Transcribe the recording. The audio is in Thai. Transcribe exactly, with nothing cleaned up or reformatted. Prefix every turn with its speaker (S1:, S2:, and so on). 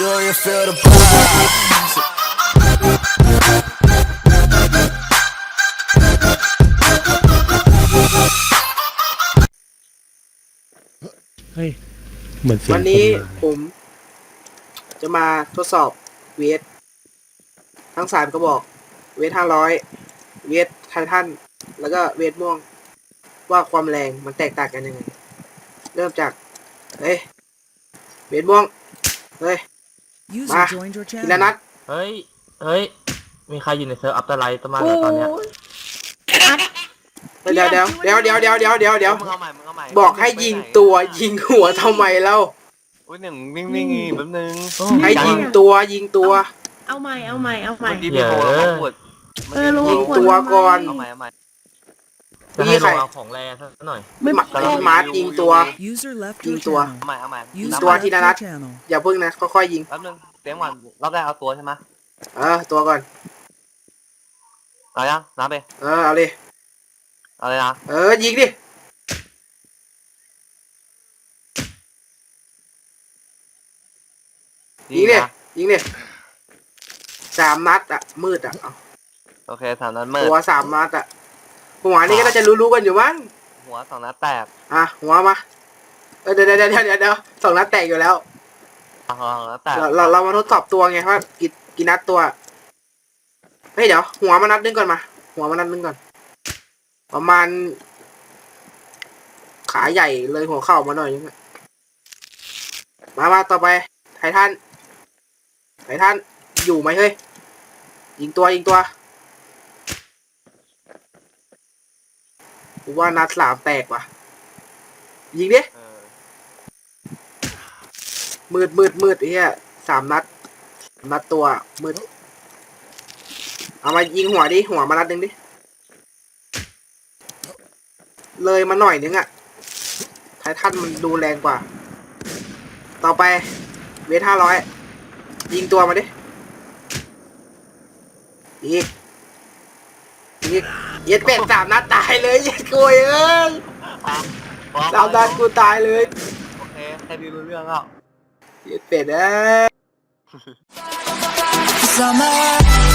S1: Do you feel the vibes?
S2: เฮ้ยเหมือนเสียง
S3: วันนี้
S2: คมา
S3: ผม จะมาทดสอบเวททั้งสามกระบอก เวทห้าร้อยเวทไททันแล้วก็เวทม่วง ว่าความแรงมันแตกต่างกันยังไง เริ่มจากเฮ้ยเวทม่วงเฮ้ย
S4: User
S3: Ma,
S4: joined your
S3: ทีละ
S4: channel.
S3: นัด
S5: เฮ้ย เฮ้ย มีใครอยู่ในเซิร์ฟอัปเตอร์ไลท์ประมาณไหนตอนเนี้ย
S3: เดี๋ยวเดี๋ยวเดี๋ยวเดี๋ยวเดี๋ยวเดี๋ยวเดี๋ยวเดี๋ยว
S5: มึงเอาใหม่ มึงเอาใหม่
S3: บอกให้ยิงตัวยิงหัวทำไมเล่า
S5: อุ้ยหนึ่งนิ่งๆแป๊บนึง
S3: ให้ยิงตัวยิงตัว
S6: เอาใหม่ เอาใหม่ เอาใหม่
S5: เมื่อกี้พี่โทรแล้วเขาปวด
S6: เออรู้
S3: ยิงตัวก่อน
S5: เอาใหม่เอาใหม่
S3: เมื่
S5: จะ
S3: อกี้
S5: ให้
S3: ใคร
S5: เราเอาของแรงสักหน่อย
S3: ไม่มามาร์ทยิงตัว
S4: User left
S3: ยิ
S4: your
S3: งตัว
S4: channel.
S5: เอาใหม่เอาใหม่
S4: User
S3: ตัว
S4: left
S3: ทีละ
S4: your
S3: นัด
S4: channel.
S3: อย่าพึ่งนะค่อยๆยิง
S5: แป๊บนึงเสียงหวานรอบแรกเอาตัวใช่ไหม
S3: เออตัวก่อน
S5: เอายังนับไป
S3: เออเอาเลย
S5: เอาเลยนะ
S3: เออยิงดิยิงดิ
S5: นะ
S3: ยิงดิสามนัดอะมืดอะเอา
S5: โอเคสามนัดมืด
S3: หัวสามนัดอะหัวนี่ก็น่าจะรู้ๆกันอยู่มั้ง
S5: หัวสองนัดแตก
S3: อ่ะหัวมาเออเดี๋ยวเดี๋ยวเดี๋ยวเดี๋ยวเดี๋ยวสองนัดแตกอยู่แล้ว
S5: สองนัดแตก
S3: เราเราเรามาทดสอบตัวไงว่ากี่กี่นัดตัวเฮ้ยเดี๋ยวหัวมานัดนึงก่อนมา หัวมานัดนึงก่อน ประมาณ ขาใหญ่เลยหัวเข่ามาหน่อยนึงอะมามาต่อไปไททันไททันอยู่ไหมเฮ้ยยิงตัวยิงตัวกูว่านัดสามแตกว่ะยิงดิ
S5: เออ
S3: มืดมืดมืดไอ้เหี้ยสามนัดสามนัดตัวมืดเอามายิงหัวดิหัวมานัดหนึ่งดิเลยมาหน่อยนึงอะไททันมันดูแรงกว่า ต่อไปเวทห้าร้อยยิงตัวมาดิอีกอีกเย็ดเป็ดสามนัดตายเลยเย็ดกุยเอ้ย
S5: อ่ะ
S3: สามนัดกูตายเลย
S5: โอเคแค่นี้รู้เรื่องแล้ว
S3: เย็ดเป็ดเอ้ย
S1: Summer